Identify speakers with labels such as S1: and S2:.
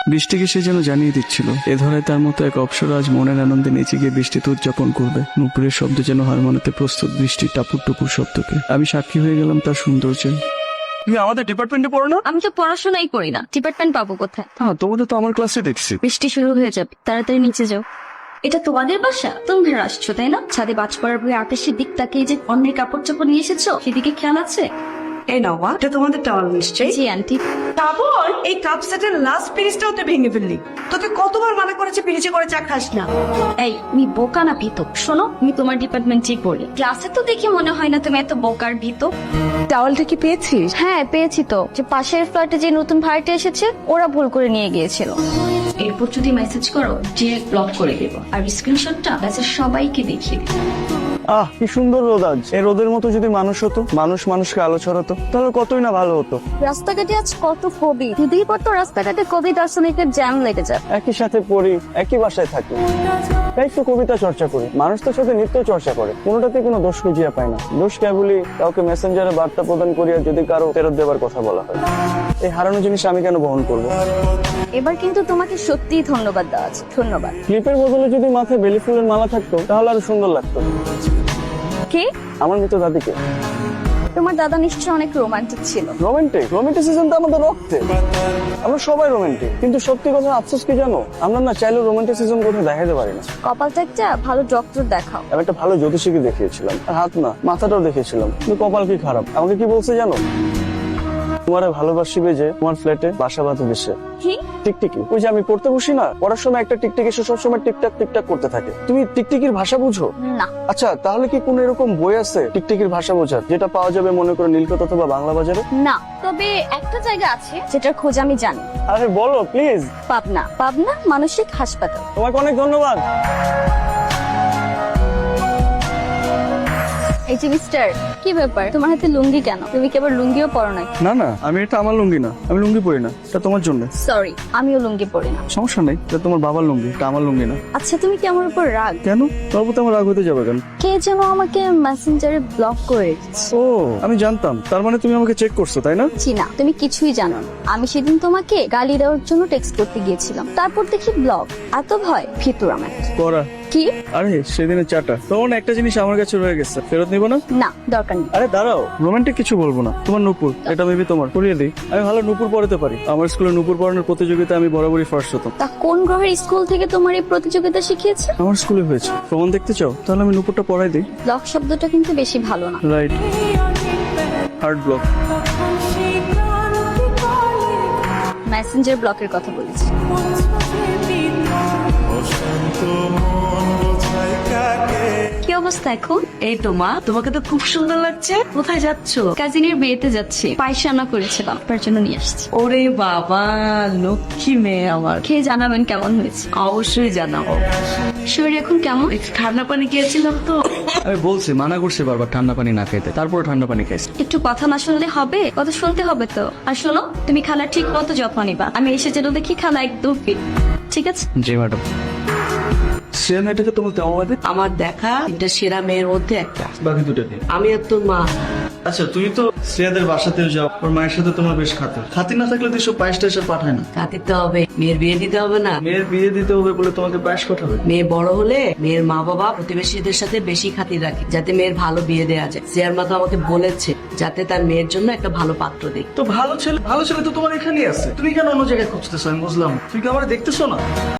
S1: বৃষ্টিকে সে যেন জানিয়ে দিচ্ছিল এ ধরায় তার মতো এক অপ্সরা আজ মনের আনন্দে নেচে গিয়ে বৃষ্টিতে উদযাপন করবে। নুপুরের শব্দ যেন হার মানাতে প্রস্তুত বৃষ্টির টাপুর টুপুর শব্দকে। আমি সাক্ষী হয়ে গেলাম তার সৌন্দর্যে। তুমি আমাদের ডিপার্টমেন্টে পড়ো না?
S2: আমি তো পড়াশোনাই করি না, ডিপার্টমেন্ট পাবো কোথায়?
S1: হ্যাঁ, তোমাদের তো আমার ক্লাসে দেখছি।
S2: বৃষ্টি শুরু হয়ে যাবে, তাড়াতাড়ি নিচে যাও। এটা তোমাদের বাসা? তোমরা আসছো তাই না? ছাদে বাজ পড়ার ভয়ে আকাশের দিক তাকিয়ে যে অন্যের কাপড় চোপড় নিয়ে এসেছো, সেদিকে খেয়াল আছে?
S3: এই নাও মা, এটা তোমাদের টাওয়াল নিশ্চয়ই।
S2: জি আন্টি।
S3: তারপর এই কাপ সেটের লাস্ট পিরিচটাও তুই ভেঙে ফেললি। তোকে কতবার মানা করেছে পিরিচে করে চা খাস না।
S2: এই তুমি বোকা না ভীত? শোনো, আমি তোমার ডিপার্টমেন্টে পড়ি, ক্লাসে তো দেখে মনে হয় না তুমি এত বোকার ভীত।
S3: টাওয়ালটা কি পেয়েছিস?
S2: হ্যাঁ পেয়েছি তো, যে পাশের ফ্ল্যাটে যে নতুন ভাড়াটে এসেছে ওরা ভুল করে নিয়ে গিয়েছিল। এরপর যদি মেসেজ করো ডিরেক্ট ব্লক করে দেবো, আর স্ক্রিনশটটা মেসেজ সবাইকে দেখিয়ে দেবো।
S1: আহ, কি সুন্দর রোদ আজ। এই রোদের মতো যদি মানুষ হতো, মানুষ মানুষকে আলো ছড়াতো, তাহলে কতই না ভালো হতো।
S2: রাস্তাঘাটে আজ কত কবি, দুদিন পর তো রাস্তাঘাটে কবি দার্শনিকের জ্যাম লেগে যায়।
S1: একই সাথে পড়ি, একই বাসায় থাকি, তাই তো কবিতা চর্চা করি। মানুষ তো সাথে নিত্য চর্চা করে, কোনোটাতে কোনো দোষ খুঁজিয়া পায় না। দোষ কেবলই কাউকে মেসেঞ্জারে বার্তা প্রদান করিয়া যদি কারো ফেরত দেবার কথা বলা হয়। এই হারানো জিনিস আমি কেন বহন করবো?
S2: এবার কিন্তু তোমাকে সত্যিই ধন্যবাদ দেওয়া আছে, ধন্যবাদ।
S1: ক্লিপের বদলে যদি মাথায় বেলি ফুলের মালা থাকতো তাহলে আরো সুন্দর লাগতো।
S2: কি?
S1: আমার মৃত দাদিকে।
S2: তোমার দাদা নিশ্চয়ই অনেক রোমান্টিক ছিল।
S1: রোমান্টিসিজম তো আমাদের রক্তে। আমরা সবাই রোমান্টিক, কিন্তু সত্যি কথা আফসোস কি জানো, আমরা না চাইলেও রোমান্টিসিজম কোথাও দেখাতে পারি না।
S2: কপালটা একটা ভালো ডক্টর দেখাও।
S1: আমি একটা ভালো জ্যোতিষীকে দেখিয়েছিলাম, আর হাত না মাথাটাও দেখিয়েছিলাম, কিন্তু কপাল কি খারাপ। আমাকে কি বলছে জানো? তোমার ভালোবাসিবে যে তোমার ফ্ল্যাটে বাসা বাঁধবে সে।
S2: কি?
S1: টিকটিকি। ওই যে আমি পড়তে বসি না, পড়ার সময় একটা টিকটিকি এসে সবসময় টিকটাক টিকটাক করতে থাকে। তুমি টিকটিকির ভাষা বুঝো?
S2: না।
S1: আচ্ছা, তাহলে কি কোন এরকম বই আছে টিকটিকির ভাষা বোঝার, যেটা পাওয়া যাবে মনে করো নীলকথা অথবা বাংলা বাজারে?
S2: না, তবে একটা জায়গা আছে যেটার খোঁজ আমি জানি।
S1: আরে বলো প্লিজ।
S2: পাবনা, পাবনা মানসিক হাসপাতাল।
S1: তোমাকে অনেক ধন্যবাদ।
S2: এই যে মিস্টার, কি ব্যাপার তোমার হাতে লুঙ্গি কেন? তুমি কি আবার লুঙ্গিও পরো নাই?
S1: না না, আমি এটা আমার লুঙ্গি না, আমি লুঙ্গি পরি না, এটা তোমার জন্য।
S2: সরি, আমিও লুঙ্গি পরি না।
S1: সমস্যা নেই, এটা তোমার বাবার লুঙ্গি, এটা আমার লুঙ্গি না।
S2: আচ্ছা তুমি কি আমার উপর রাগ?
S1: কেন? তোর প্রতি আমার রাগ হতে যাবে কেন?
S2: কে যেন আমাকে মেসেঞ্জারে ব্লক করে রেখেছে।
S1: ও, আমি জানতাম। তার মানে তুমি আমাকে চেক করছো, তাই না?
S2: জি না, তুমি কিছুই জানো না। আমি সেদিন তোমাকে গালি দেওয়ার জন্য টেক্সট করতে গিয়েছিলাম, তারপর দেখি ব্লক। এত ভয় ভিতর আমার।
S1: করা।
S2: কি?
S1: আরে সেদিনের চাটা, তখন একটা জিনিস আমার কাছে রয়ে গেছে, ফেরত নিব না।
S2: না, দরকার নেই।
S1: আরে দাঁড়াও, রোমান্টিক কিছু বলবো না। তোমার নুপুর, এটা ভেবে তোমার পরিয়ে দিই। আমি ভালো নুপুর পড়াতে পারি। আমার স্কুলে নুপুর পড়ানোর প্রতিযোগিতা আমি বরাবরই ফার্স্ট হতাম।
S2: তা কোন গ্রহের স্কুল থেকে তোমার এই প্রতিযোগিতা শিখিয়েছে?
S1: আমার স্কুলে হয়েছে। প্রমাণ দেখতে চাও? তাহলে আমি নুপুরটা পড়াই দিই।
S2: ব্লক শব্দটা কিন্তু বেশি ভালো না।
S1: Right, hard block.
S2: মেসেঞ্জার ব্লকের কথা বলেছি। কি অবস্থা এখন?
S3: এই তো মা, তোমাকে তো খুব সুন্দর লাগছে। কোথায় যাচ্ছ?
S2: কাজিনের বিয়েতে যাচ্ছি, পায়েস রান্না করেছিলাম, তার জন্য নিয়ে আসছি।
S3: ওরে বাবা, লক্ষ্মী মেয়ে আমার।
S2: খেয়ে জানাবেন কেমন হয়েছে।
S3: অবশ্যই জানাবো।
S2: শরীর এখন কেমন?
S3: একটু ঠান্ডা পানি খেয়েছিলাম তো।
S1: আমি বলছি, মানা করছি বারবার ঠান্ডা পানি না খাইতে, তারপরে ঠান্ডা পানি খাইছি।
S2: একটু কথা না শুনলে হবে? কথা শুনতে হবে তো। আর শোনো, তুমি খালার ঠিক মতো যত্ন নিবা। আমি এসে যেন দেখি খালা একদম fit। ঠিক আছে?
S1: জি ম্যাডাম। সে মেয়েটাকে তোমার তেমন বাদে
S3: আমার দেখা এটা সেরা মেয়ের মধ্যে একটা।
S1: বাকি দুটো দিন।
S3: আমি আর তোর মা।
S1: আচ্ছা, তুই তো শ্রেয়াদের বাসাতেও যাও, ওর মায়ের সাথে তোমার বেশ খাতির না থাকলে তুই সব পায়েস টায়েস পাঠায় না।
S3: কাঁদিতে হবে, মেয়ের বিয়ে দিতে হবে না।
S1: মেয়ের বিয়ে দিতে হবে বলে তোমাকে পায়েস পাঠাবে?
S3: মেয়ে বড় হলে মেয়ের মা বাবা প্রতিবেশীদের সাথে বেশি খাতির রাখে, যাতে মেয়ের ভালো বিয়ে দেওয়া যায়। সিয়ার মা তো আমাকে বলেছে যাতে তার মেয়ের জন্য একটা ভালো পাত্র দেয়।
S1: তো ভালো ছেলে তো তোমার এখানেই আছে, তুমি কেন অন্য জায়গায় খুঁজতেছো? আমি বুঝলাম, তুই কি আমার দেখতেছো না?